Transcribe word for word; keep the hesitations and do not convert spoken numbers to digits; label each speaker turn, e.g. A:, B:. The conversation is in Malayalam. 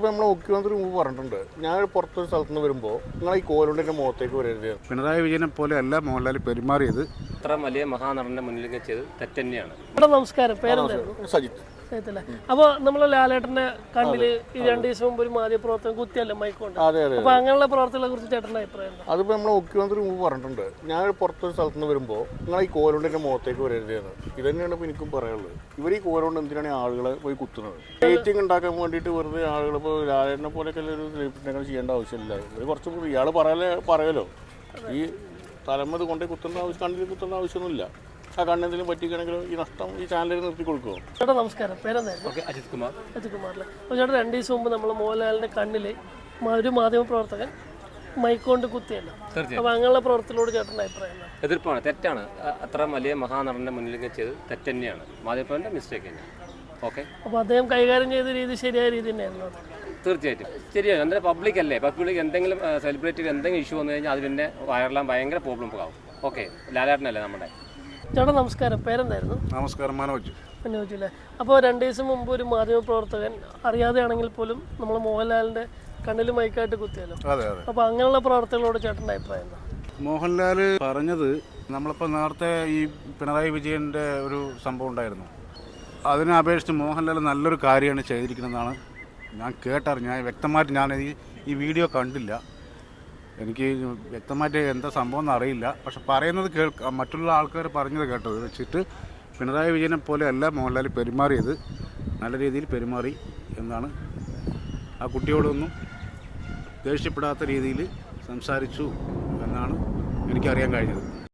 A: അതിപ്പോൾ നമ്മളെ മുഖ്യമന്ത്രി മുമ്പ് പറഞ്ഞിട്ടുണ്ട്, ഞാൻ പുറത്തൊരു സ്ഥലത്ത് നിന്ന് വരുമ്പോൾ നിങ്ങൾ ഈ കോലുണ്ടിൻ്റെ മുഖത്തേക്ക് വരരുത്.
B: പിണറായി വിജയനെ പോലെ അല്ല മോഹൻലാൽ പെരുമാറിയത്.
C: ഇത്ര വലിയ മഹാനടന്റെ മുന്നിലേക്ക് ചെയ്ത് തെറ്റന്നെയാണ്.
D: നമസ്കാരം, പേരെന്തായിരുന്നു?
A: സജിത്ത്.
D: അപ്പോൾ നമ്മളെ ലാലേട്ടന്റെ കണ്ണില് ഈ രണ്ട് ദിവസം മുമ്പ് ഒരു മാധ്യമപ്രവർത്തനം കുത്തിയല്ലേ മൈക്കൊണ്ട്.
A: അതെ അതെ.
D: അപ്പൊ അങ്ങനെയുള്ള പ്രവർത്തനങ്ങളെ കുറിച്ച് ചേട്ടൻ്റെ അഭിപ്രായം?
A: അതിപ്പോൾ നമ്മളെ മുഖ്യമന്ത്രി മുമ്പ് പറഞ്ഞിട്ടുണ്ട്, ഞാൻ പുറത്തൊരു സ്ഥലത്ത് നിന്ന് വരുമ്പോൾ നിങ്ങൾ ഈ കോലുണ്ടിൻ്റെ മുഖത്തേക്ക് വരരുത് എന്ന്. ഇത് തന്നെയാണ് ഇപ്പോൾ എനിക്കും പറയാനുള്ളത്. ഇവർ ഈ കോലുകൊണ്ട് എന്തിനാണ് ആളുകളെ പോയി കുത്തുന്നത്? റേറ്റിംഗ് ഉണ്ടാക്കാൻ വേണ്ടിയിട്ട് വെറുതെ ആളുകൾ ഇപ്പോൾ ലാലേട്ടനെ പോലെയൊക്കെ ഒരു സെലിബ്രിറ്റിനെ ചെയ്യേണ്ട ആവശ്യമില്ല. ഇവർ കുറച്ച് ഇയാൾ പറയാലേ പറയലോ, ഈ തലമത് കൊണ്ടേ കുത്തേണ്ട ആവശ്യം, കണ്ണിൽ കുത്തേണ്ട ആവശ്യമൊന്നുമില്ല. ആ കണ്ണെന്തെങ്കിലും പറ്റിക്കണമെങ്കിലും ഈ നഷ്ടം ഈ ചാനലിൽ നിർത്തി കൊടുക്കുമോ?
D: ചേട്ടാ നമസ്കാരം, പേരെന്തായിരുന്നു?
C: അജിത് കുമാർ.
D: അജിത് കുമാറിലെ. അപ്പോൾ ചേട്ടാ രണ്ട് ദിവസം മുമ്പ് നമ്മൾ മോഹൻലാലിൻ്റെ കണ്ണിൽ ഒരു മാധ്യമപ്രവർത്തകൻ മൈക്കൊണ്ട് കുത്തിയല്ലോ. അപ്പോൾ അങ്ങനെയുള്ള പ്രവർത്തനത്തോട് ചേട്ടൻ്റെ അഭിപ്രായം?
C: എതിർപ്പാണ്, തെറ്റാണ്. അത്ര വലിയ മഹാനടന്റെ മുന്നിലേക്ക് ചെയ്ത് തെറ്റന്നെയാണ്. മാധ്യമപ്രവർത്തൻ്റെ മിസ്റ്റേക്ക് തന്നെയാണ്. ഓക്കെ.
D: അപ്പോൾ അദ്ദേഹം കൈകാര്യം ചെയ്ത രീതി ശരിയായ രീതി തന്നെയായിരുന്നു?
C: തീർച്ചയായിട്ടും ശരിയാണ്. എന്തായാലും പബ്ലിക് അല്ലേ, പബ്ലിക് എന്തെങ്കിലും സെലിബ്രിറ്റിക്ക് എന്തെങ്കിലും ഇഷ്യൂ വന്നു കഴിഞ്ഞാൽ അത് പിന്നെ വൈറലാൻ ഭയങ്കര പ്രോബ്ലം ആവും. ഓക്കെ, ലാലേട്ടനല്ലേ നമ്മുടെ.
D: ചേട്ടാ നമസ്കാരം, പേരെന്തായിരുന്നു?
B: നമസ്കാരം, മനോജ്.
D: മനോജ് അല്ലേ. അപ്പോൾ രണ്ട് ദിവസം മുമ്പ് ഒരു മാധ്യമപ്രവർത്തകൻ അറിയാതെയാണെങ്കിൽ പോലും നമ്മൾ മോഹൻലാലിൻ്റെ കണ്ണിൽ മൈക്കായിട്ട് കുത്തിയല്ലോ.
B: അതെ അതെ.
D: അപ്പോൾ അങ്ങനെയുള്ള പ്രവർത്തനങ്ങളോട് ചേട്ടൻ്റെ അഭിപ്രായം എന്താ?
B: മോഹൻലാൽ പറഞ്ഞത് നമ്മളിപ്പോൾ നേരത്തെ ഈ പിണറായി വിജയൻ്റെ ഒരു സംഭവം ഉണ്ടായിരുന്നു, അതിനെ അപേക്ഷിച്ച് മോഹൻലാൽ നല്ലൊരു കാര്യമാണ് ചെയ്തിരിക്കുന്നതെന്നാണ് ഞാൻ കേട്ടറിഞ്ഞു. ഞാൻ വ്യക്തമായിട്ട് ഞാൻ ഈ ഈ വീഡിയോ കണ്ടില്ല, എനിക്ക് വ്യക്തമായിട്ട് എന്താ സംഭവം എന്ന് അറിയില്ല. പക്ഷെ പറയുന്നത് കേൾക്ക മറ്റുള്ള ആൾക്കാർ പറഞ്ഞത് കേട്ടത് വെച്ചിട്ട് പിണറായി വിജയനെ പോലെ അല്ല മോഹൻലാൽ പെരുമാറിയത്, നല്ല രീതിയിൽ പെരുമാറി എന്നാണ്. ആ കുട്ടിയോടൊന്നും ദേഷ്യപ്പെടാത്ത രീതിയിൽ സംസാരിച്ചു എന്നാണ് എനിക്കറിയാൻ കഴിഞ്ഞത്.